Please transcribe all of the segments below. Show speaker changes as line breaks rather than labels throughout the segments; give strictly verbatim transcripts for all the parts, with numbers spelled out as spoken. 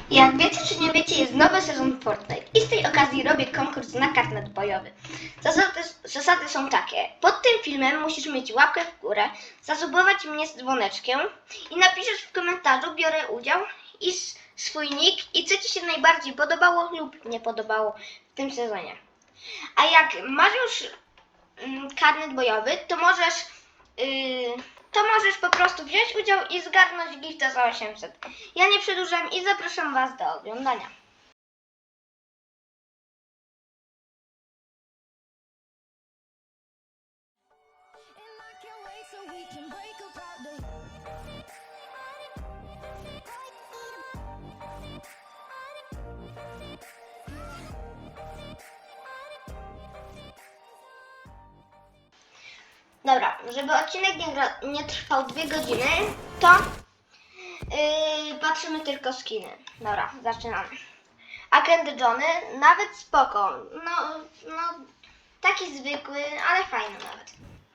Jak wiecie czy nie wiecie, jest nowy sezon Fortnite i z tej okazji robię konkurs na karnet bojowy. Zasady, zasady są takie. Pod tym filmem musisz mieć łapkę w górę, zasubować mnie z dzwoneczkiem i napiszesz w komentarzu biorę udział i swój nick i co Ci się najbardziej podobało lub nie podobało w tym sezonie. A jak masz już mm, karnet bojowy, to możesz... Yy, to możesz po prostu wziąć udział i zgarnąć gifta za osiemset. Ja nie przedłużam i zapraszam Was do oglądania. Dobra, żeby odcinek nie, gra, nie trwał dwie godziny, to yy, patrzymy tylko skiny. Dobra, zaczynamy. Agent Johnny, nawet spoko. No, no, taki zwykły, ale fajny nawet.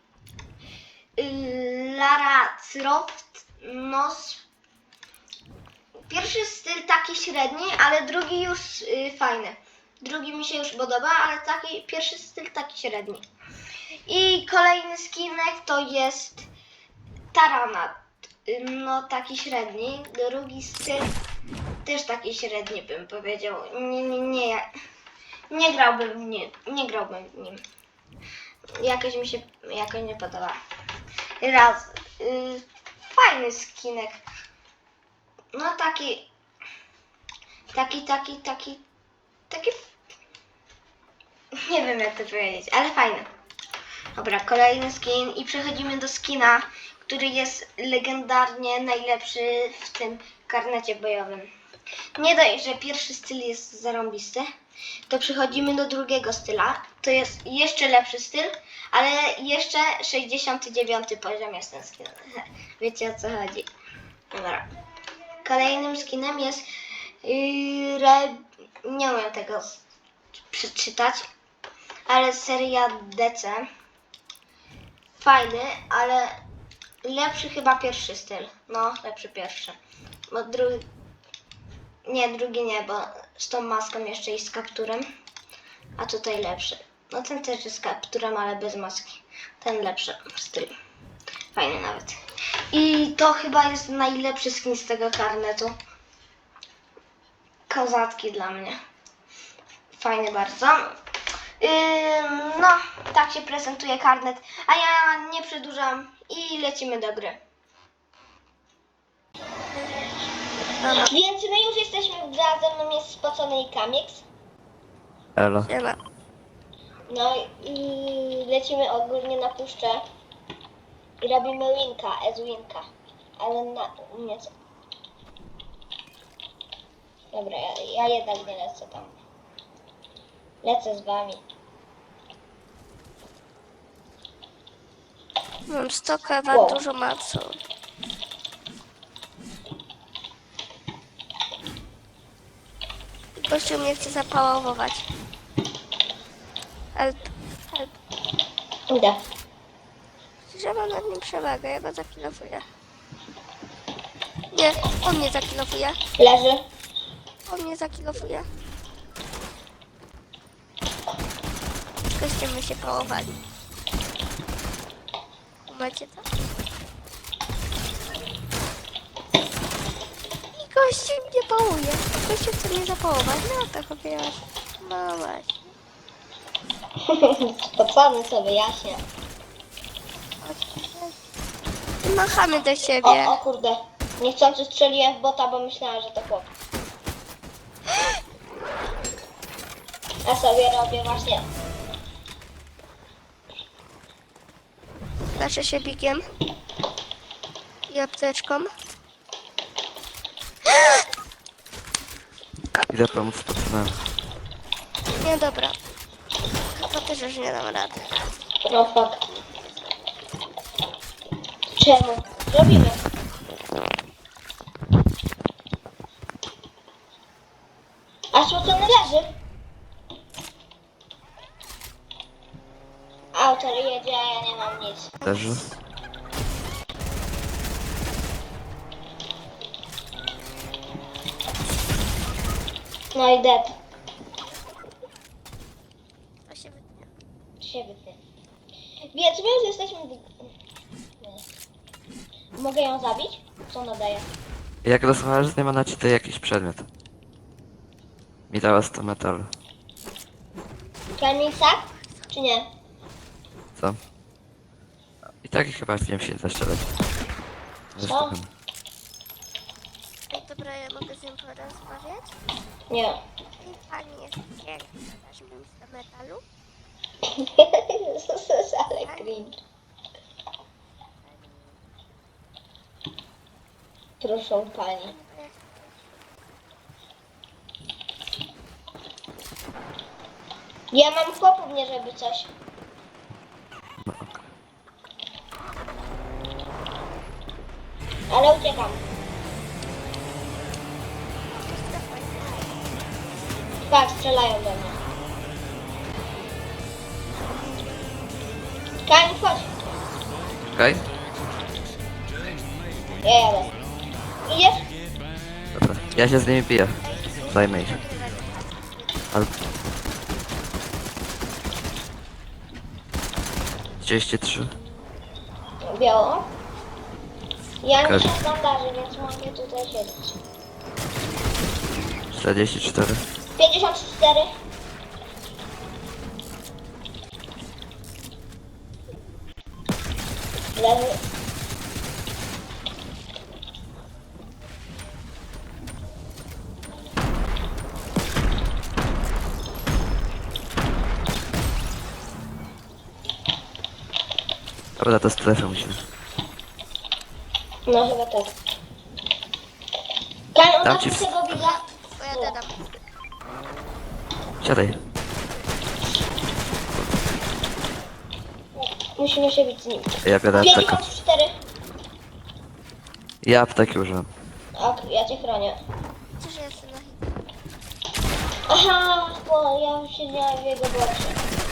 Yy, Lara Croft, no, pierwszy styl taki średni, ale drugi już yy, fajny. Drugi mi się już podoba, ale taki pierwszy styl taki średni. I kolejny skinek to jest Taranat, no taki średni. Drugi styl też taki średni bym powiedział. Nie, nie, nie, nie grałbym w nim, nie grałbym w nim. Jakoś mi się jakoś nie podoba. Raz, yy, fajny skinek. No taki, taki, taki, taki, taki, nie wiem jak to powiedzieć, ale fajny. Dobra, kolejny skin i przechodzimy do skina, który jest legendarnie najlepszy w tym karnecie bojowym. Nie dość, że pierwszy styl jest zarąbisty, to przechodzimy do drugiego styla. To jest jeszcze lepszy styl, ale jeszcze sześćdziesiąty dziewiąty poziom jest ten skin. Wiecie o co chodzi. Dobra. Kolejnym skinem jest yy, re... nie umiem tego przeczytać, ale seria D C. Fajny, ale lepszy chyba pierwszy styl. No, lepszy pierwszy. Bo drugi... Nie, drugi nie, bo z tą maską jeszcze i z kapturem. A tutaj lepszy. No ten też jest z kapturem, ale bez maski. Ten lepszy styl. Fajny nawet. I to chyba jest najlepszy skin z tego karnetu. Kozacki dla mnie. Fajny bardzo. No, tak się prezentuje karnet, a ja nie przedłużam i lecimy do gry.
Dobra.
Więc my już jesteśmy w grze, ze mną jest spocony i Kamix.
Elo.
Siema.
No i lecimy ogólnie na puszczę i robimy winka, ez winka, ale na nie co. Dobra, ja, ja jednak nie lecę tam. Lecę z wami.
Mam sto kawa,
Wow.
dużo macu. Gościu mnie chce zapałować. Help, help.
Idę.
Że mam nad nim przewagę, ja go zakilofuję. Nie, on mnie zakilofuje.
Leży.
On mnie zakilofuje. Gościem my się pałowali. Macie to? I gościu mnie pałuje. Gościu chce mnie zapałować. No to chopiłaś. No właśnie.
Spocony co wyjaśnię.
Machamy do
O,
siebie.
o kurde. Niechcący strzeliłem w bota, bo myślałem, że to chłop. Ja sobie robię właśnie.
Leczę się bikiem. I apteczką.
Idę pomóc patronom.
Nie, dobra. Chyba też już nie dam rady.
No fuck. Czemu? Zrobimy. A spocony leży. Autor jedzie, a ja nie mam nic.
Leży.
No i dead.
To się wytnie.
Się wytnie. Więc my już jesteśmy... Nie. Mogę ją zabić? Co ona daje?
Jak rozmawiasz z nią, ona ci daje jakiś przedmiot. Mi dała sto metalu.
Kamil, tak? Czy nie?
Co? I tak chyba wiem się zaszczelać.
Co?
Ej, dobra, ja mogę z nią porozmawiać?
Nie.
Ej, pani jest piękna. Dasz mi sto metalu?
Jezus, ale cringe. Proszę pani. Ja mam chłopów, nie żeby coś.
No okej.
Ale uciekam. Tak, strzelają do mnie. Kamil, chodź.
Okej?
Ja jadę. Idziesz?
Dobra. Ja się z nimi biję. Zajmę ich. Ale... trzydzieści trzy.
Biało. Ja
Okej.
nie się bandaży, więc mogę tutaj siedzieć.
czterdzieści cztery.
pięćdziesiąt cztery. Lewy.
Dobra, to strefę musimy.
No chyba tak. Kamil,
Dam
on
ci
tam
w-
tego widza.
Bo ja dodam.
Siadaj.
Musimy się bić z nim.
Ja biorę aptekę.
pięćdziesiąt cztery.
Ja apteki używam.
Ok, ja cię chronię.
Przecież ja jestem na hit.
Aha, bo ja siedziałem w jego boksie.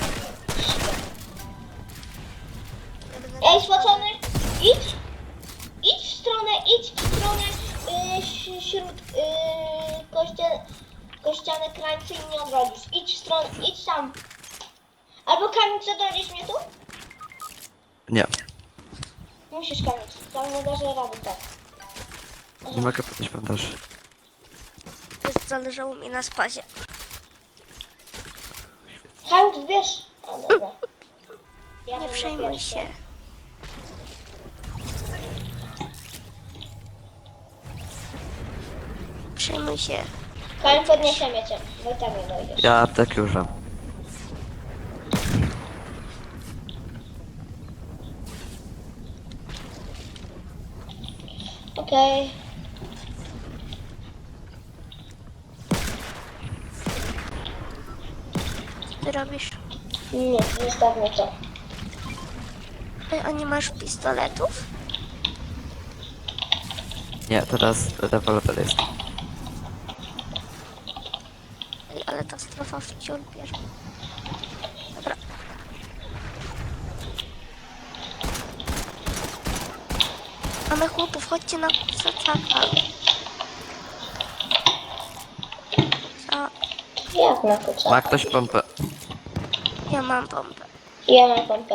Ja będę
Ej, spocony, idź, idź w stronę, idź w stronę y, ś- śród y, kościa, kościane krańce i nie odrodzisz. Idź w stronę, idź tam. Albo Kamil, zadolisz mnie tu?
Nie.
Musisz Kamil, tam nie dasz rady, tak.
Nie mogę podnieść bandaży.
Jest zależało mi na spazie.
Kamil, wiesz? A, dobra. Ja
Nie
będę
przejmuj
pierwszy.
się. Przejmuj się.
Kamil, podniesiemy cię, bo i tak nie dojdziesz.
Ja apteki używam.
Okej.
Co ty robisz?
Nie, zostawmy to.
Ej, a nie masz pistoletów?
Nie, teraz rewolwer jest.
Ej, ale ta strefa wciąż bierze. Dobra. Mamy chłopów, chodźcie na kusacaka. Co?
Jak na kuca?
Ma ktoś pompę?
Ja mam pompę.
Ja mam pompę.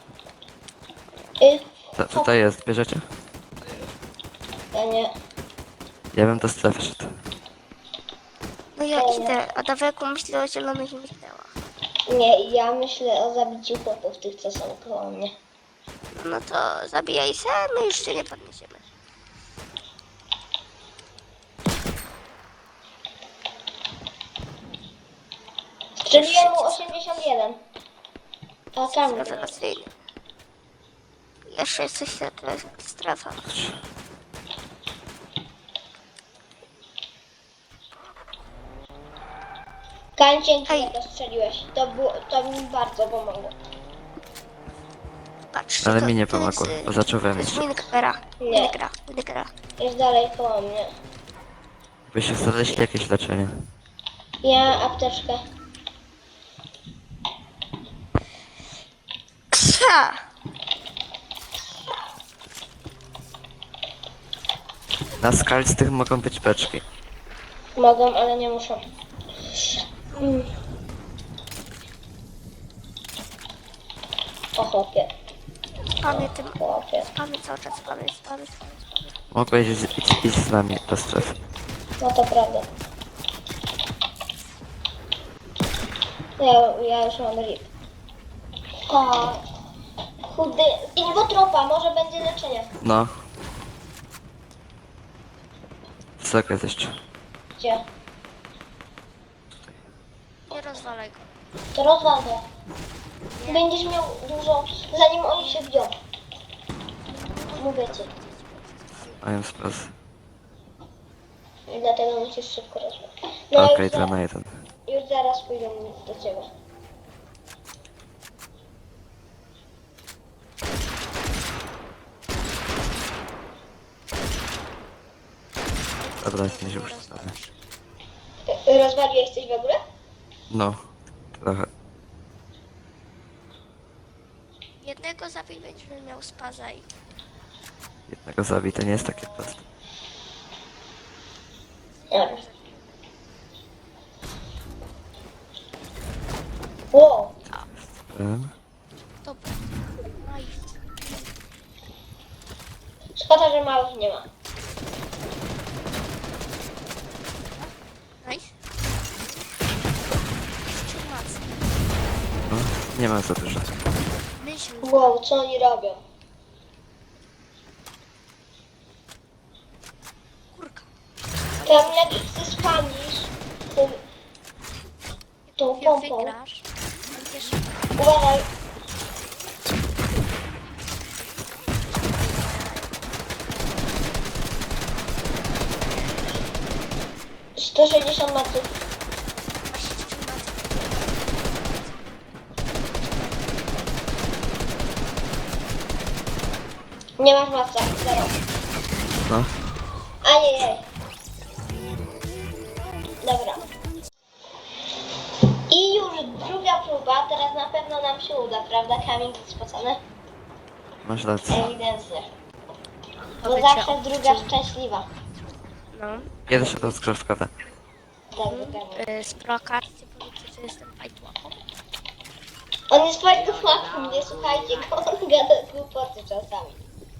Y,
To, tutaj jest, bierzecie?
ja nie.
Ja bym do strefy szedł.
No ja
Dobra.
idę, a Daweku myślę o zielonych migdałach.
Nie, ja myślę o zabiciu chłopów, tych co są koło mnie.
No to zabijaj se, my już się nie podniesiemy.
Strzeliłem mu osiemdziesiąt jeden. A tam.
Rewelacyjny. Jeszcze jest coś, to jest strefa.
Kań, dzięki,
Hej.
że to strzeliłeś. To, było, to mi bardzo pomogło.
Patrz,
Ale
to,
mi nie
to jest,
pomogło,
y,
bo zacząłem
To jest
mieć.
Winkera.
Nie.
Winkera. Winkera.
Jest dalej koło mnie.
By się znaleźli jakieś leczenie.
Ja apteczkę.
Ksa!
Na skalistych mogą być beczki.
Mogą, ale nie muszą. Mm. O chłopie,
Spamy tym...
chłopie.
Spamy cały czas, spamy, spamy, spamy, spamy.
Mogłeś iść, iść, iść z nami do strefy.
No to prawda. Ja, ja już mam rip. O, chudy. Inwotropa, może będzie leczenie.
No. Wysoko jest jeszcze.
Gdzie?
Nie rozwalaj go.
To rozwalę. Będziesz miał dużo, zanim oni się wbiją. Mówię ci.
Mają spas.
I dlatego musisz szybko rozmawiać.
Okej,
już,
dwa
za,
na jeden.
już zaraz pójdę do ciebie.
Dobra, nie się już stanie.
Y, Rozwaliłeś coś w ogóle?
No. Trochę.
Jednego zabij, będziemy miał spaza i...
Jednego zabić, to nie jest takie proste.
Nie. Wow.
Em,
Dobra. Nice.
Szkoda, że małych nie ma.
Nice. Jeszcze mac.
No, nie ma za dużo.
Myśl.
Wow, co oni robią?
Kurka.
Tam jak ich ty spamisz tym, tą
Jak
pompą.
wygrasz, będziesz...
Uważaj. sto sześćdziesiąt metrów.
Masz jeszcze mac.
Nie masz maca, zero.
No.
Ajejej. Dobra. I już druga próba, teraz na pewno nam się uda, prawda? Kamień jest spocony?
Masz rację.
Ewidentnie. Bo
Powiecie
zawsze
o-
druga szczęśliwa.
No.
Pierwsza rozgrzewka.
Tak, dokładnie.
Yy, z prokarty powiedzcie, że jestem fajtłapą.
On jest bardzo łatwy, nie słuchajcie go, on gada głupoty czasami.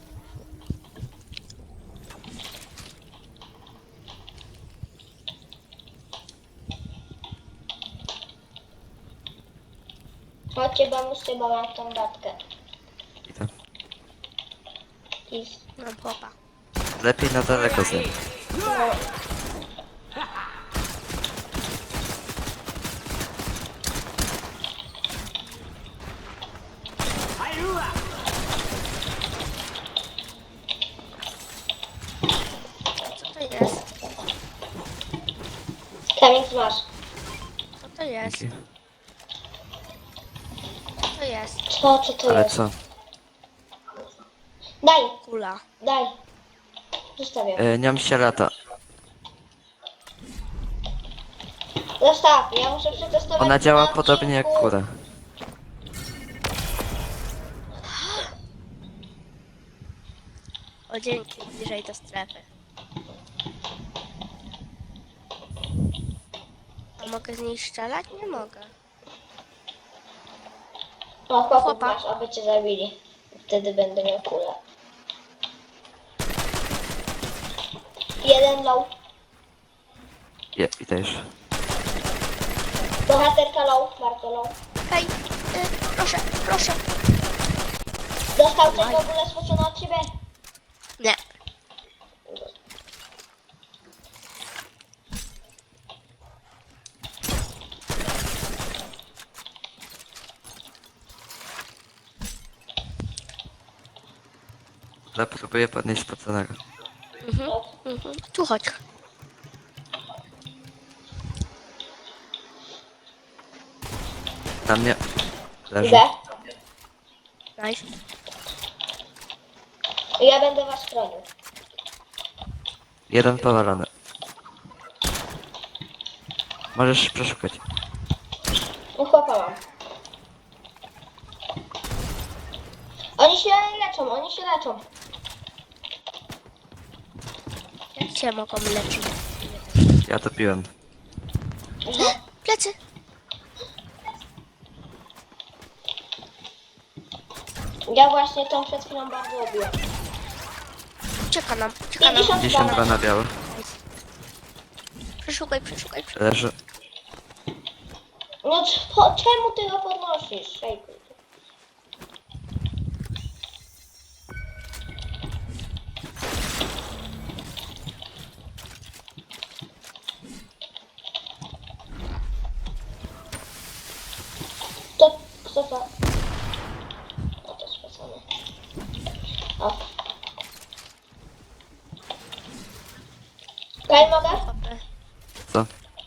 Chodźcie, bo muszę, bo mam tą datkę.
Idę.
I
Mam chłopa.
Lepiej na daleko z nim.
no,
Co to jest?
kamień masz.
Co to jest?
Dzięki.
Co to jest?
Co, co to
Ale
jest?
co?
Daj,
Kula.
daj. Zostawiam.
E, niam się lata.
Zostaw, ja muszę przetestować.
Ona działa
na
podobnie jak
odcinku.
kura.
O dzięki, bliżej do strefy. A mogę z niej strzelać? Nie mogę.
O, chłopów
Chłopa.
masz, aby cię zabili. Wtedy będę miał kulę. Jeden low.
Je, idę już.
Bohaterka low, bardzo low.
Hej, y, proszę, proszę.
Dostał coś w ogóle spocone od ciebie?
Nie.
Ale próbuję podnieść spoconego.
Mhm, mhm. Tu chodź.
Na mnie leży.
Idę.
Nice.
Ja będę was chronił.
Jeden powalony. Możesz przeszukać.
No chłopa mam. Oni się leczą, oni się leczą.
Jak cię mogą leczyć?
Ja to piłem.
Plecy!
Ja właśnie tą przed chwilą bardzo lubię.
Czeka nam, czeka nam.
pięćdziesiąt
pięćdziesiąt dwa
dwa.
na biały.
Przeszukaj, przeszukaj, przeszukaj.
Leży.
No c- po, czemu ty go podnosisz? Szejku. To, kto to? No to specjalnie. O. Kaj mogę?
Co?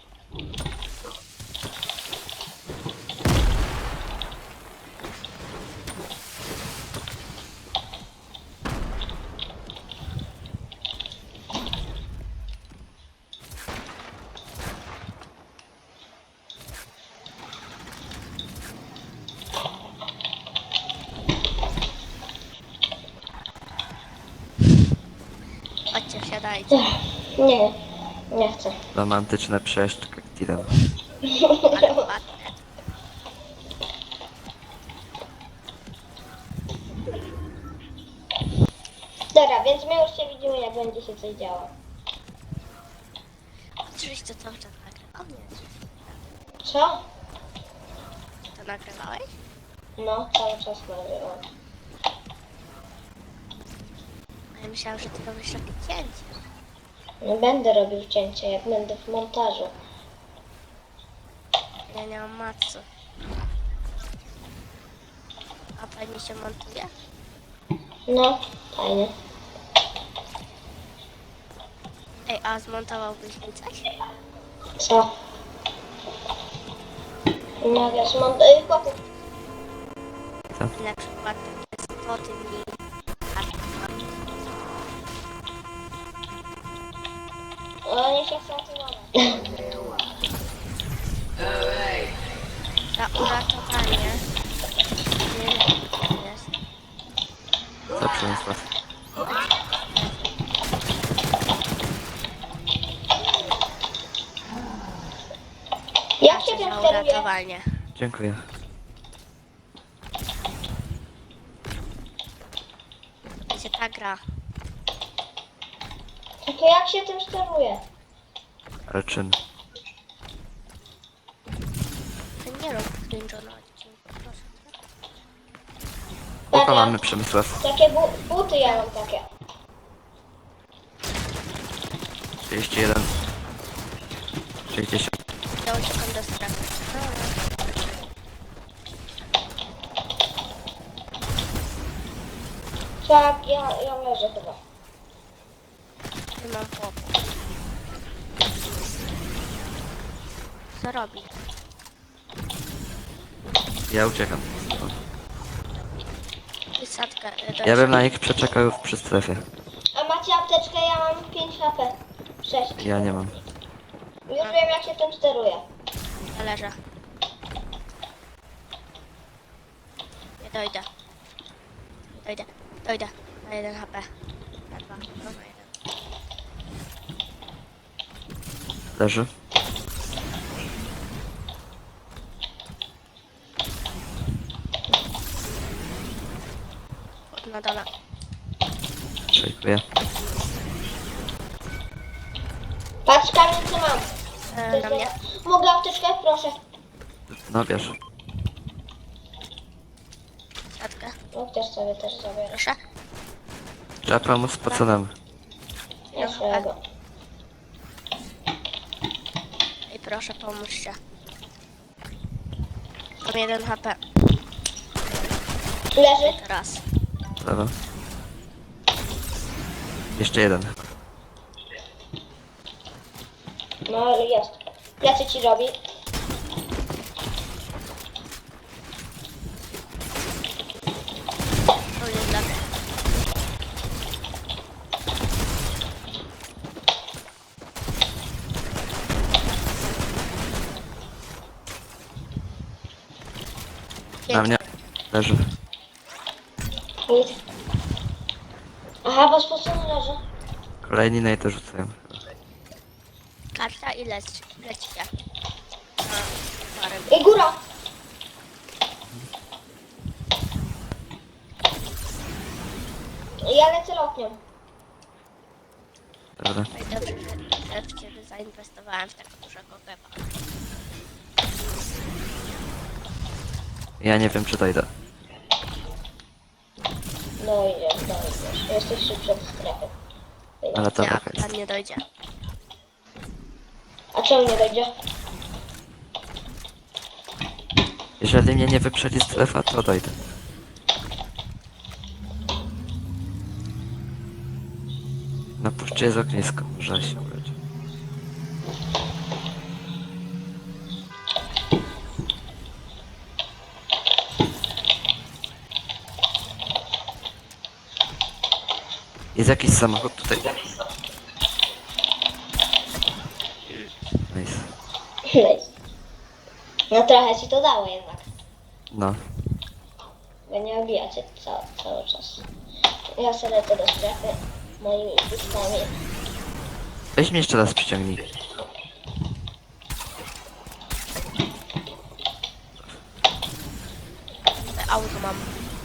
Chodźcie, wsiadajcie.
Nie, nie chcę.
Romantyczne przejście kaktilem.
Ale ładne.
Dobra, więc my już się widzimy, jak będzie się coś działo.
Oczywiście cały czas nagrywał? Nie.
Co?
To nagrywałeś?
No, cały czas nagrywam.
Ja myślałam, że ty robisz takie cięcie.
Nie będę robił cięcia, jak będę w montażu.
Ja nie mam matcy. A fajnie się montuje?
No, fajnie.
Ej, a zmontowałbyś mi coś?
Co? No, ja zmontuję chłopów.
Na przykład takie spoty mi...
Oni się chcą filmować.
Za uratowanie. Nie wiem, co to jest.
Co Przemysław?
Jak się tym
Za
steruje?
uratowanie.
Dziękuję.
Będzie ta gra.
Tylko jak się tym steruje?
Ale czym?
To nie rób cringe'a na odcinku, proszę.
Łuka
Dobra.
mamy Przemysław.
Takie bu buty ja mam takie.
trzydzieści jeden. sześćdziesiąt.
Ja uciekam do strefy.
Tak, ja, ja leżę chyba.
Nie mam chłopu. Co robi?
Ja uciekam.
Wysadka. e, do-
Ja bym na nich przeczekał przy strefie.
A macie apteczkę? Ja mam pięć H P. sześć.
Ja nie mam.
Już wiem, jak się tym steruje.
Ja leżę. Nie dojdę. Dojdę. Dojdę. Na jeden H P. Na dwa. No, na jeden.
Leży.
Na dole.
Szejkuję.
Patrz, Kamil, co mam.
E, na mnie.
Mogę apteczkę? Proszę.
No wiesz.
Siatkę.
No, też sobie też zabiorę.
Proszę.
Trzeba pomóc spoconemu.
Nie swojego.
I proszę, pomóżcie. Mam jeden H P.
Leży?
Raz.
Dobra. Jeszcze jeden.
No, ale jest. Plecy ci robi.
To jest dla mnie.
Na mnie. Leży.
Nic. Aha, bo spocony leży.
Kolejni na to rzucają.
karta i leć, lećcie. Na parę.
Ej, góra! Ja lecę lotnią.
Dobra.
No i dobrze, że, że w ciebie zainwestowałem w tego dużego geba.
Ja nie wiem, czy dojdę.
No idziesz, no idziesz. Jesteś szybszy od strefy.
Ale to
Nie,
taka jest.
tam nie dojdzie.
A czemu nie dojdzie?
Jeżeli mnie nie wyprzedzi strefa, to dojdę. Na puszczy jest ognisko, może się udać. Jest jakiś samochód tutaj. Nice.
Nice. No trochę ci to dało jednak.
No.
Bo nie obijacie cały, cały czas. Ja sobie lecę do strefy moimi pistami.
Weź mnie jeszcze raz przyciągnij.
Auto mam.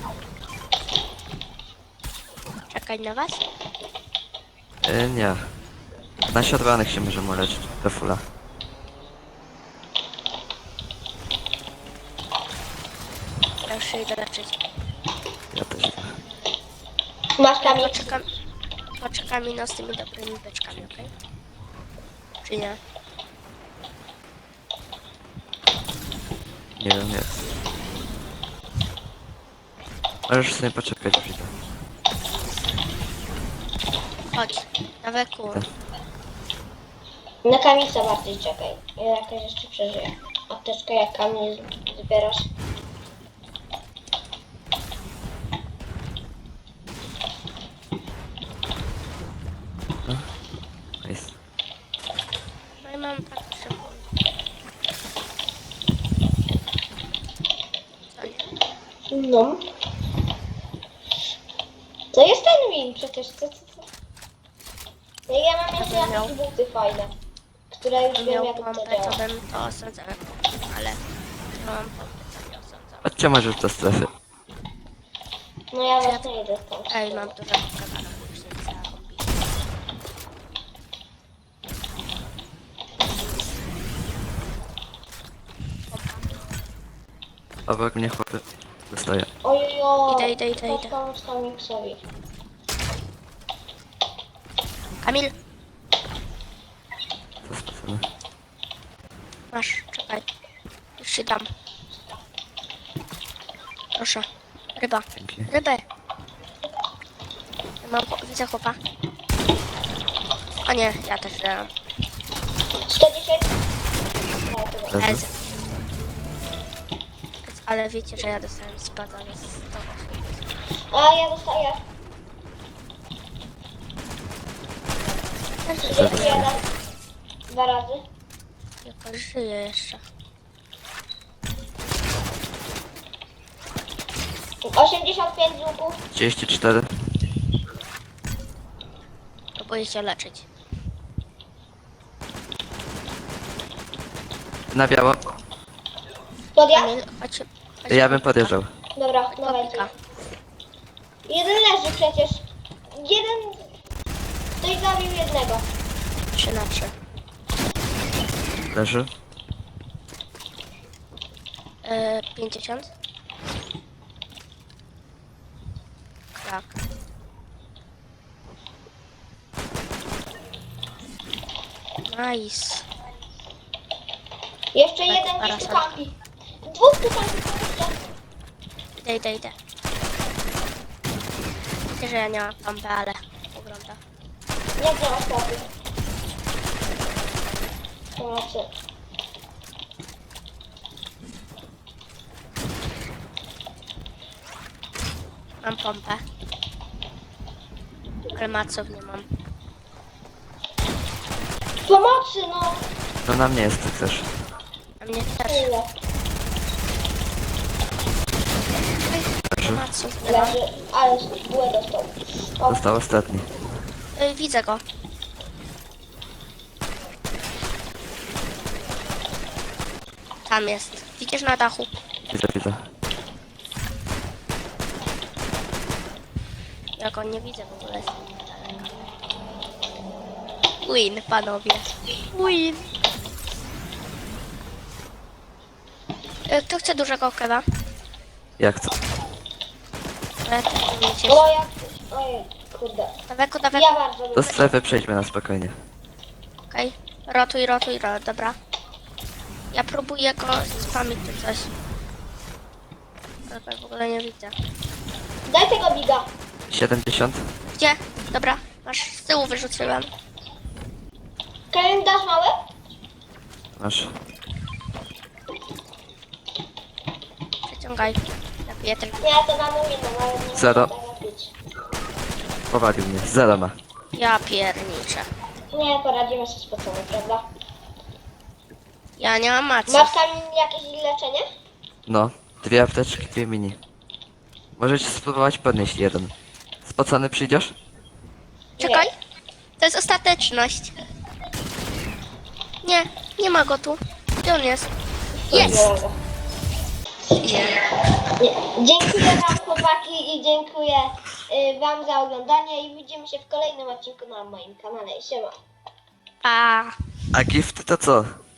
Czekaj na was?
Yy, nie. Na siodłanych się możemy leczyć. Do fula.
Ja już się idę leczyć.
Ja też idę.
Masz kamień?
Poczekam, poczekam no z tymi dobrymi beczkami, okej? Czy nie?
Nie wiem, jest. Możesz sobie poczekać, przyjdę.
Chodź, na weku.
Tak.
Na kamicę bardziej czekaj. Ja jakoś jeszcze przeżyję. Apteczkę jak kamień z- zbierasz.
Nice.
No i mam tak szybko. Co nie?
No. To jest ten win przecież. Co, co, co? No i ja mam jeszcze
Jakbym miał-
jakieś buty fajne. Które już
Gdybym
wiem
miał
jak to
pompę,
działa.
to bym to osadzał. Ale nie mam pompy, to nie osadzam.
Chodźcie może do strefy.
No ja właśnie idę tam.
Ej, mam dużo pokazanych później za hobby.
Obok mnie chłopy. Dostaję.
Ojojo.
Idę, idę, idę,
Chodź
idę.
pomóc Kamiksowi.
Kamil,
To specjalne.
masz, czekaj. Już się dam. Proszę. Ryba.
Dzięki.
Rybę. Ja mam, chłop- widzę chłopa. O nie, ja też dam.
sto dziesięć. No, to dobra.
Leży.
Ez. Ale wiecie, że ja dostałem spada, więc to
A ja dostaję. trzydzieści jeden. Dwa razy.
jakoś żyje jeszcze.
osiemdziesiąt pięć z łuku.
trzydzieści cztery.
Próbuję się leczyć.
Na biało.
Podjazd?
Kamil, chodź. chodź
Ja bym podjeżdżał.
Dobra, dawajcie.
Kopika.
Jeden leży przecież. Jeden... Ktoś zabił jednego.
trzy na trzy.
Leży.
Yy, pięćdziesiąt. Tak. Nice.
Jeszcze
Tak,
jeden gdzieś tu
parasol.
kampi. Dwóch tu kampi.
Idę, idę, idę. Wiecie, że ja nie mam pompy, ale ogląda.
Jak nie masz kampy? To znaczy...
Mam pompę. Ale maców nie mam.
Pomocy, no!
To na mnie jest też.
A mnie też.
Tyle.
Leży.
Maców nie mam.
Leży, ale bułę dostał. O,
Został ostatni.
Yy, widzę go. Tam jest. Widzisz na dachu?
Widzę, widzę.
Ja go nie widzę w ogóle. Win, panowie. Win. E, Kto chce dużego kewa?
Jak to?
Ale to wiecie.
O, jak... Ojej, kurde.
Daweku, daweku.
Ja bardzo
Do
lubię.
strefy przejdźmy na spokojnie.
Okej. Rotuj, rotuj, rotuj. Dobra. Ja próbuję go spamić czy coś. Ale w ogóle nie widzę.
Daj tego biga.
siedemdziesiąt.
Gdzie? Dobra. Masz z tyłu wyrzuciłem.
Kevin, dasz mały?
Masz.
Przeciągaj. Zapiję ten.
Nie, to na mój no, ale nie
Zero.
mogę tego pić.
Powalił mnie. Zero ma.
Ja pierniczę.
Nie, poradzimy sobie z pocą, prawda?
Ja nie mam macy.
Masz tam jakieś leczenie?
No. Dwie apteczki, dwie mini. Możecie spróbować podnieść jeden. Spocony przyjdziesz?
Czekaj. To jest ostateczność. Nie, nie ma go tu. Gdzie on jest? Jest!
Nie. Nie. Dziękuję wam chłopaki i dziękuję y, wam za oglądanie i widzimy się w kolejnym odcinku na moim kanale. Siema.
Pa!
A gifty to co?